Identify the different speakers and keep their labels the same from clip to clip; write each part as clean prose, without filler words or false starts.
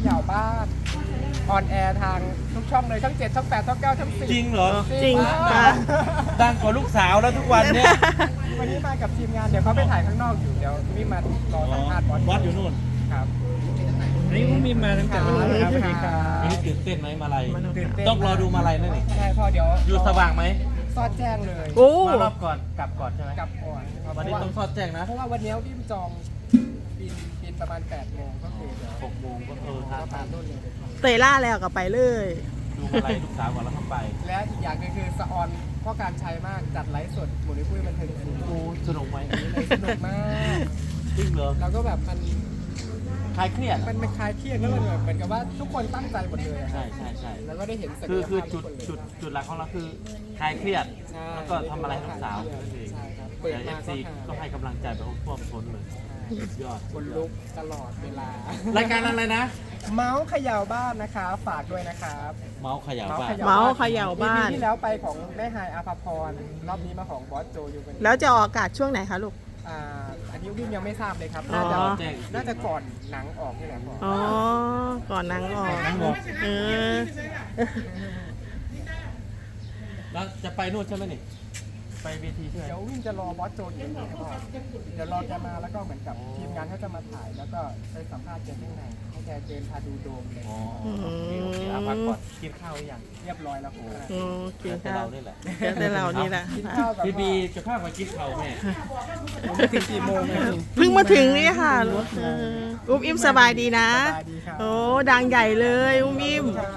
Speaker 1: ย่าบ้านออนแอร์ทางทุกช่องเลยช่อง7ช่อง8ช่อง9ช่อง10
Speaker 2: จริงเหรอ
Speaker 3: จริง
Speaker 1: มา
Speaker 3: ค่ะ
Speaker 1: ก
Speaker 2: ดังกว่าลูกสาวแล้วทุกวันเนี่ย
Speaker 1: วันนี้มากับทีมงานเดี๋ยวเขาไปถ่ายข้างนอกอยู่เดี๋ยวพี่มารอสัมภาษณ์
Speaker 2: บอสอยู่นู่น
Speaker 1: ครับ
Speaker 4: นี่ผมมีมาตั้งแต่วันนี้ครับ
Speaker 1: สวัสดีครับ
Speaker 2: วันนี้ตื่นเต้นไหมมาลัย
Speaker 1: ตื่นเต้น
Speaker 2: ต้องรอดูมาลัยนั่นนี่
Speaker 1: ใช่พ่อเดี๋ยว
Speaker 2: อยู่สว่างไหม
Speaker 1: ซอดแจ้งเลย
Speaker 3: โอ้
Speaker 2: มารอบก่อนกลับก่อนใช่ไหม
Speaker 1: กลับก่อนครับ
Speaker 2: วันนี้ต้องทอดแจ้งนะ
Speaker 1: เพราะว่าวันนี้พี่จองบินประมาณ8โมงก็คือเดี๋ยว
Speaker 2: 6 โมงก็ทาน
Speaker 1: ตามรุ่นเลย
Speaker 3: เตยล่าแล้วก็ไปเลย
Speaker 2: ดูมาลัยลูกสาวก่อนแล้วเข้าไป
Speaker 1: และอีกอย่างหนึงคือสะออนพ่อการใช้มากจัดไลฟ์สดหมุนคุยบันเทิงศิลป์
Speaker 2: โอ้สนุกไหม
Speaker 1: เลยสนุกมาก
Speaker 2: จริงเหรอ
Speaker 1: แล้วก็แบบมัน
Speaker 2: คลายเครียด
Speaker 1: มันคลายเครียดแล้วมันแบบเหมือนกับว่าทุกคนตั้งใจหมดเลยอะ
Speaker 2: ใช่ใช่ใช่
Speaker 1: แล้วก็ได้เห็นศัก
Speaker 2: คือย
Speaker 1: ภาพ
Speaker 2: จุด
Speaker 1: ทุกคนเลย
Speaker 2: จุดหลักของเราคือคลายเครียด
Speaker 1: ใช่
Speaker 2: แล้วก็ทำอะไรให้ลูกสาวนั่นเอง
Speaker 1: ใช่ครับเปิด
Speaker 2: แต่เอ
Speaker 1: มา
Speaker 2: ฟซีก็ให้กำลังใจแบบท่วมท้นเลยสุดยอด
Speaker 1: คนลุกตลอดเวลาร
Speaker 2: ายการอะไรนะ
Speaker 1: เมาส์เขย่าบ้านนะคะฝากด้วยนะครับ
Speaker 2: เมาส์ขยาวบ้าน
Speaker 3: เมาส์เขย่าบ้าน
Speaker 1: ปีที่แล้วไปของแม่ไฮายอาภาพรรอบนี้มาของบอสโจอยู่กัน
Speaker 3: แล้วจะออกอากาศช่วงไหนคะลูก
Speaker 1: อันนี้วิ่งยังไม่ทราบเลยครับ
Speaker 3: อ๋อ
Speaker 1: น่าจะก่อนหนังออกนี่แหละพ่อ
Speaker 3: อ๋อ ก่อนนางออก
Speaker 4: ทั้งหมด
Speaker 3: เออ
Speaker 2: แล้วจะไปนู่นใช่ไหมนี่ ไปเวทีใช่ไหม
Speaker 1: เดี๋ยววิ่งจะรอบอสโจอยู่ครับพ่อเดี๋ยวรอแกมาแล้วก็เหมือนกับทีมงานเขาจะมาถ่าย แล้วก็ไปสัมภาษณ์แกข้างในให้แกเดินพาดูโดมเลย
Speaker 2: อ๋อโอเคโอเคเอาพักก่อนกินข้าวหรือยัง
Speaker 1: เรียบร้อยแล้วผม
Speaker 3: อืมกิน
Speaker 2: แต่
Speaker 3: ข้า
Speaker 2: เรา
Speaker 3: ว
Speaker 2: นี่แหละ
Speaker 3: เดี๋ยวแต่เรานี่แหละ
Speaker 1: กินข้าวกับ
Speaker 2: พี่บีจะพามากินข้าวแม่
Speaker 1: ผมไม่ถึงกี่โมงเลย
Speaker 3: เพิ่งมาถึงนี่ค่ะเอออุ้มอิ่มสบายดีนะ
Speaker 1: สบายดีครับ
Speaker 3: โอ้ดังใหญ่เลยอุ้มอิ่ม
Speaker 1: ครับ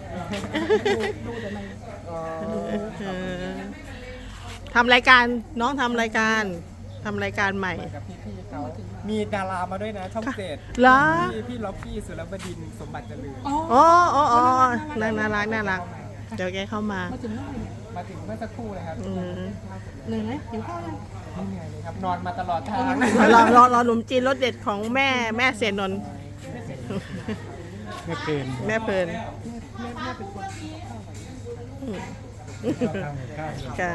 Speaker 1: เอ่อ
Speaker 3: เออทำรายการน้องทำรายการใหม่
Speaker 1: กับพี่ๆเขามีดารามาด้วยนะช่องเจ็ด
Speaker 3: เหรอ
Speaker 1: พี่ล็อกกี้สุรบดินทร์สมบัติเจริญ
Speaker 3: อ๋อน่ารักเดี๋ยวแกเข้ามา
Speaker 1: มาถึงเมื่อสักครู่เลยครับ
Speaker 3: อืม
Speaker 1: เหนื่อยไหมหิวข้าวยังไม่เหนื่อยเลยครับนอนมาตลอดทาง
Speaker 3: รอหนุ่มจีนรสเด็ดของแม่เสนนนท์
Speaker 4: ไม่เกิน
Speaker 3: แม่เพลิน
Speaker 4: ทำกับข้าว
Speaker 3: ค่ะ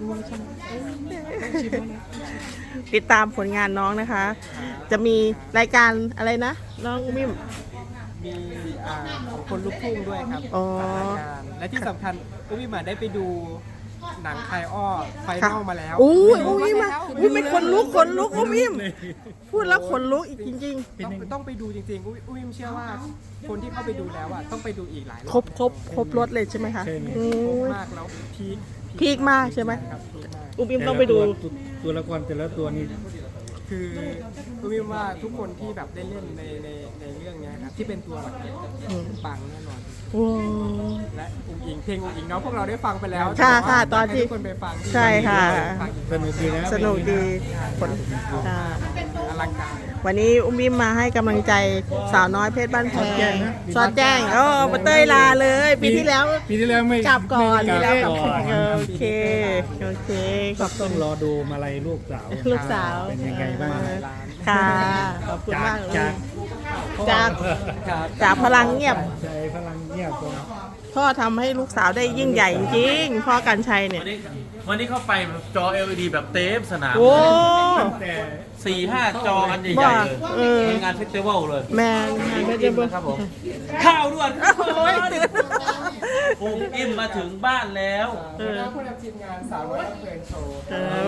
Speaker 3: ติดตามผลงานน้องนะคะ จะมีรายการอะไรนะ น้องมิม
Speaker 1: มีของคนลุกทุ่งด้วยครับ
Speaker 3: อ๋อ
Speaker 1: รายการและที่สำคัญก็วิมาได้ไปดูหนังคายอ้อไฟนอลมาแล้ว
Speaker 3: อุ้ยมาอุ้ยไม่ขนลุกอุ้มอิมพูดแล้วขนลุกอีกจริง
Speaker 1: ต้องไปดูจริงๆอุ้ยเชื่อว่าคนที่เข้าไปดูแล้วอ่ะต้องไปดูอีกหลายร
Speaker 3: ๆ
Speaker 1: อบ
Speaker 3: ครบรถเลยใช่ไหมคะอื
Speaker 1: ครบ
Speaker 3: ม
Speaker 1: มากแล้วพีค
Speaker 3: พีคมากใช่ไหม
Speaker 1: ครับพีคมาก
Speaker 3: อุ้มอิมต้องไปดู
Speaker 4: ตัวละครแต่ละตัวนี้
Speaker 1: คือก็วิว่าทุกคนที่แบบได้เล่นในเรื่องเนี้ยครับที่เป็นตัวหลักปังแน่นอน
Speaker 3: โอ้
Speaker 1: และอุ้งอิงเพลงอุ้งอิงเนาะพวกเราได้ฟังไปแล้ว
Speaker 3: ค่ะ
Speaker 1: แต่ว่า
Speaker 3: ตอนที่
Speaker 1: ให้ทุกคนไปฟัง
Speaker 3: ใช่ค่ะ
Speaker 1: ฟังอีก
Speaker 4: สนุกดีนะ
Speaker 3: สนุกดีผลค่ะ
Speaker 1: อลังการ
Speaker 3: วันนี้อุ้มอิมมาให้กำลังใจสาวน้อยเพชรบ้านแพงซอดแจ้งมาเต้ยลาเลย ปีที่แล้ว
Speaker 4: ปีที่แล้วไม่
Speaker 3: กลับก่อน
Speaker 4: ไม่
Speaker 3: ปี
Speaker 4: ได้
Speaker 3: แล้ว
Speaker 4: กลับก่อน
Speaker 3: โอเคขอบคุ
Speaker 4: ต้อ
Speaker 3: ณ
Speaker 4: งรอดูมาลัยลูกสาว
Speaker 3: ลูกสาว
Speaker 4: เป็นยังไงบ้าง
Speaker 3: ค่ะ ขอบคุณ
Speaker 4: จาก
Speaker 3: มาก
Speaker 4: จาก
Speaker 3: จาก
Speaker 1: ครับ
Speaker 3: จากพลังเงียบ
Speaker 4: ใจพลังเงียบตรง
Speaker 3: พ่อทำให้ลูกสาวได้ยิ่งใหญ่จริงๆพ่อกันชัยเนี่ย
Speaker 2: วันนี้เข้าไปจอ LED แบบเต็มสนาม
Speaker 3: โอ้
Speaker 4: แต่
Speaker 2: 4-5 จออันใหญ่ๆเลย
Speaker 3: เออ
Speaker 2: เป็นงานเฟสติวัลเลย
Speaker 3: แมนไม่จะบอก
Speaker 2: ครับผมข้าวด่วน
Speaker 3: โอ้ยตื่น
Speaker 2: อุ้มอิ่มมาถึงบ้านแล้ว
Speaker 1: แล้วผู้นำทีมงานสาวน้อยเพลินโชว์
Speaker 3: โอ้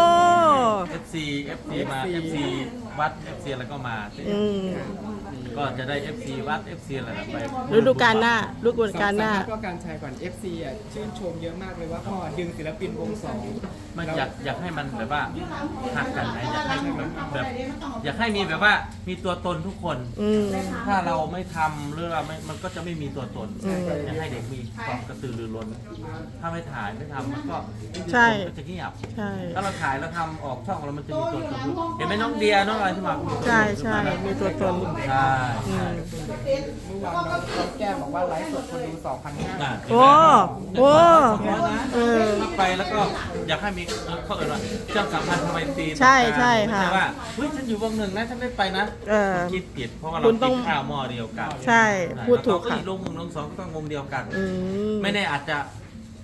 Speaker 2: FC มา FC วัด FC แล้วก็มา
Speaker 3: อืม
Speaker 2: ก็จะได้ FC วัด FC อะไรแบบไป
Speaker 3: ฤดูกาลหน้าฤดูกาลหน้า
Speaker 1: ก็การใช้ก่อน FC อ่ะชื่นชมเยอะมากเลยว่าพ่อดึงศิลปินวงสอง
Speaker 2: มันอยากให้มันแบบว่าหักกันนะอยากให้แบบอยากให้มีแบบว่ามีตัวตนทุกคน
Speaker 3: อืม
Speaker 2: ถ้าเราไม่ทำหรือเราไม่มันก็จะไม่มีตัวตน
Speaker 3: อืม
Speaker 2: อยากให้เด็กมีความกระตือรือร้น ถ้าไม่ถ่ายไม่ทำมันก็
Speaker 3: ใช่
Speaker 2: คนก็จะเงียบ
Speaker 3: ใช่
Speaker 2: ถ้าเราถ่ายแล้วทำออกช่องเรามันจะมีตัวตนเห็นไหมน้องเดียน้องอะไรที่มา
Speaker 3: ใช่ใช่มีตัวตน
Speaker 2: ใช่
Speaker 3: อืม
Speaker 1: เมื่อวานน้องแก้มบอกว่าไลฟ์สดคนดู2,500
Speaker 2: น่ะ
Speaker 3: โอ้โอ้เออ
Speaker 2: ไปแล้วก็อยากให้มีเขาเอ่ยว่าเจ้าสัมพันธ์ทำไมตี
Speaker 3: ใช่ใช่ค่ะ
Speaker 2: ไม่ใช่ว่าเฮ้ยฉันอยู่วงหนึ่งนะฉันไม่ไปนะ
Speaker 3: เออ
Speaker 2: คิดผิดเพราะว่า
Speaker 3: คุ
Speaker 2: เรา
Speaker 3: ณต้
Speaker 2: กิ
Speaker 3: อง
Speaker 2: นข้าวหม้อเดียวกัน
Speaker 3: ใช่พูดถูก
Speaker 2: แล้วเขา
Speaker 3: ค่ะ
Speaker 2: อีกวงหนึ่งวงสองก็ต้องวงเดียวกัน
Speaker 3: อืม
Speaker 2: ไม่แน่อาจจะ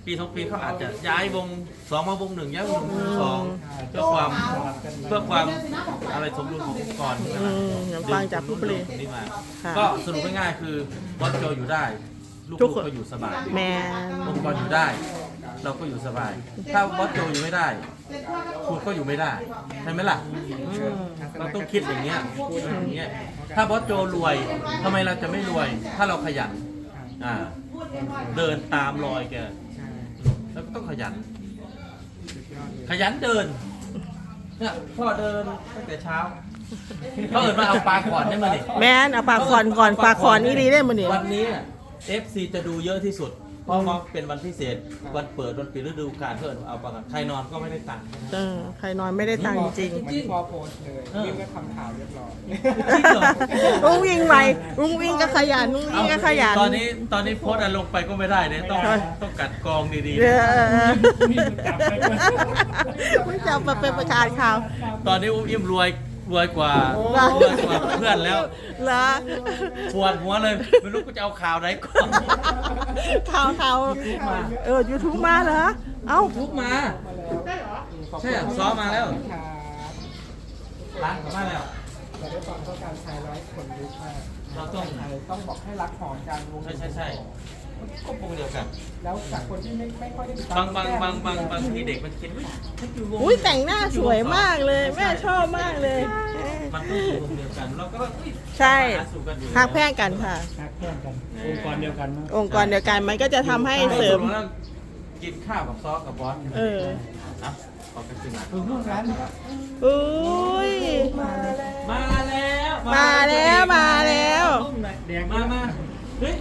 Speaker 2: ปี2 ปีเขาอาจจะย้ายวง2มาวง1ย้ายวง1 2เพื่อความอะไรสมดุลขององค์กร
Speaker 3: อย่างฟังจากผู้บริ
Speaker 2: ตรงนี้มา
Speaker 3: ค่ะ
Speaker 2: ก็สรุปง่ายๆคือบอสโจอยู่ได้ ลู
Speaker 3: ทุ
Speaker 2: ก
Speaker 3: ก
Speaker 2: ๆ
Speaker 3: คน
Speaker 2: ก็อยู่สบาย
Speaker 3: แมน
Speaker 2: องค์กรอยู่ได้ เราก็อยู่สบาย ถ้าบอสโจอยู่ไม่ได้คุณก็อยู่ไม่ได้ใช่ไหมล่ะเราต้องคิดอย่างเงี้ยอย่างเงี้ยถ้าบอสโจรวยทำไมเราจะไม่รวย ถ้าเราขยันเดินตามรอยแกแล้วก็ต้องขยัน ขยันเดินเนี่ยพ่อเดินตั้งแต่เช้าเขาเอิญมาเอาปลาขอนได้มาดิ
Speaker 3: แมนเอาปากคอนก่อนปากคอนนี่ดีได้มันนี่
Speaker 2: วันนี้ FC จะดูเยอะที่สุด เพราะว่าเป็นวันพิเศษ วันเปิดวันปิดฤดูกาลเพื่อนเอาปลากันใครนอนก็ไม่ได้ตังค์
Speaker 3: ใครนอนไม่ได้ตังค์จริง
Speaker 1: เหมือนที่พ่อโพสต์เลยยิ่งก็ทำข่าวเรียบร้อย
Speaker 2: จริงเหรอ
Speaker 3: ลุงวิ่งไปลุงวิ่งก็ขยันลุงวิ่งก็ขยัน
Speaker 2: ตอนนี้โพสต์อันลงไปก็ไม่ได้เนี่ยต้องกัดกรองดี
Speaker 3: เออ
Speaker 4: มีคนจับไปด้วย
Speaker 3: ไม่จับมาเป็นประกาศข่าว
Speaker 2: ๆ ตอนนี้อุ้มอิ่มรวยกว่าเพื่อนแล้ว
Speaker 3: เหรอ
Speaker 2: ปวดหัวเลยไม่รู้กูจะเอาข่าวไหนก่อน
Speaker 3: ข่าวยูทูบมาเหรอเอ้า
Speaker 2: ทุกมาใช่ซ้อมมาแล้ว
Speaker 1: ครับ
Speaker 2: ร้านกลับบ้านแล้ว
Speaker 1: แต่ด้วยความต้องการชายร้อยคนรู้มาก
Speaker 2: เราต้อง
Speaker 1: ไทยต้องบอกให้รักหอมกันวง
Speaker 2: ใช่ก็วงเดียวกัน
Speaker 1: แล้วจากคนที่ไม่ค่อยได้ติดตาม
Speaker 2: บางทีเด็กมันคิดว่าให้อยู่วง
Speaker 3: อุ้ยแต่งหน้าสวยมากเลย แม่ชอบมากเลย
Speaker 2: มันต้องอยู่วงเดียวกันเราก็
Speaker 3: ใช่
Speaker 2: หาสู่กันอยู่
Speaker 3: หักแพร่งกันค่ะ
Speaker 4: ฮักเพื่อนกันองค์กรเดียวกันมั้ง
Speaker 3: องค์กรเดียวกันมันก็จะทำให้เสริม
Speaker 2: กินข้าวกับซอสกับบอส
Speaker 3: เออ
Speaker 2: นะขอบคุณสินะ
Speaker 1: คือพวกนั้น
Speaker 3: อุ้ย
Speaker 2: มาแล้ว
Speaker 3: มาแล้วมาแล้ว
Speaker 4: แดง
Speaker 2: มาเฮ้ย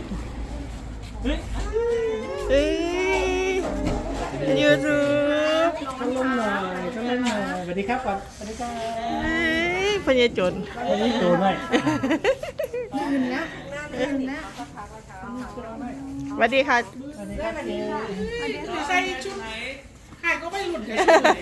Speaker 3: เฮ้ยยูทูบ
Speaker 4: ข้างลงหน่อยข้างลงหน่อยสวัสดีครับก่อนสวัสดีครับ
Speaker 3: เฮ้ยพญาจน
Speaker 4: วันนี้โตหน่อย
Speaker 3: สวัสดีค่ะ
Speaker 5: ใส่ชุดใครก็ไม่หลุดเลย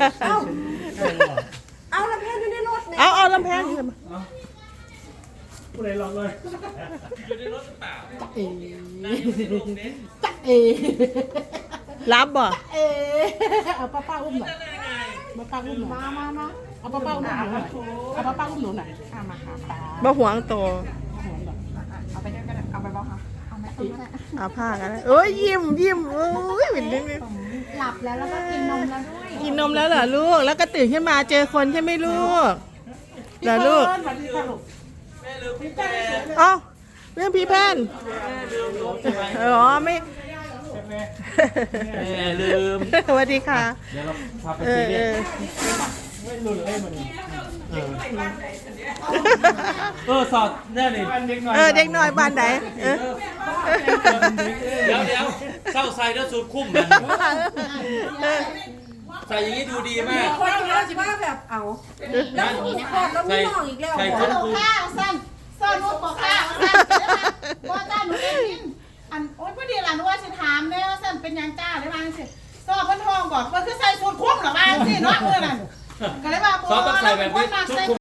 Speaker 5: เอาลำแพงอยู่ในรถเนี่ย
Speaker 3: เอาลำแพงขึ้นมา
Speaker 4: ผู้ใดลองเลย
Speaker 2: อยู่ในรถหรือเปล่า
Speaker 5: เอ๋
Speaker 2: นั่งอยู่ที่โรงเน็ต
Speaker 5: จ๊ะเอ๋
Speaker 3: รับบ่
Speaker 5: เอ๋เอาป้าอุ้มหน่อยป้าอุ้มหน่อยมาเอาป้าอุ้มหน่อยเอาป้าอุ้มหนูหน่อยมาค่ะป้า
Speaker 3: บ่หวงตัว
Speaker 5: เอาไปด้วยกันเอาไปบ้างคะเอาไหมเอาไหม
Speaker 3: เอาผ้ากันเอ้ยยิ้มโอ้ยเป็นนิด
Speaker 5: หลับแล้วแล้วก็กินนมแล้วด้วย
Speaker 3: กินนมแล้วเหรอลูก แล้วก็ตื่นขึ้นมาเจอคนใช่ไหมลูกเหรอลูก
Speaker 5: สวัสดีค่ะลูก
Speaker 2: แม่ลืมพี่แก
Speaker 3: เอ้าเรื่องพี่แพน
Speaker 2: แม่ลืมรถใช่ไหม
Speaker 3: อ๋อไม่
Speaker 2: แม่ลืม
Speaker 3: สวัสดีค่ะ
Speaker 2: เดี๋ยวเราพาไป
Speaker 3: เอ
Speaker 2: ซี
Speaker 3: อ
Speaker 2: เรี
Speaker 3: เอย
Speaker 2: ส
Speaker 3: อ
Speaker 4: ไม่รุนเลยมัน
Speaker 2: สอดแน่นี่
Speaker 4: เด็กหน่อย
Speaker 3: เด็กน้อยบ้านไหนเออ
Speaker 2: เดี๋ยวเศร้าใส่แล้วสูตรคุ้มมันใส่อย่างนี้ดูดีมาก
Speaker 5: คนเราสิว่าแบบเอาแล้วมีคลอดแล้วมีน้องอีกแล้ว
Speaker 2: ใส่ชุดคุม
Speaker 6: ข้าวสั้นซ่อนลูกบอกข้าวสั้นว่าจ้าหนูเองกินอันโอ๊ยพอดีหลานว่าสิถามเนี่ยสั้นเป็นยังจ้าได้บ้างสิสอบพันทองบอกว่าคือใส่สูตรคุ้มหรอบ้างสิเนาะเมื่อนั้นก็เลยว่า
Speaker 2: ซอสต้องใส่แบบนี้ชุดคุม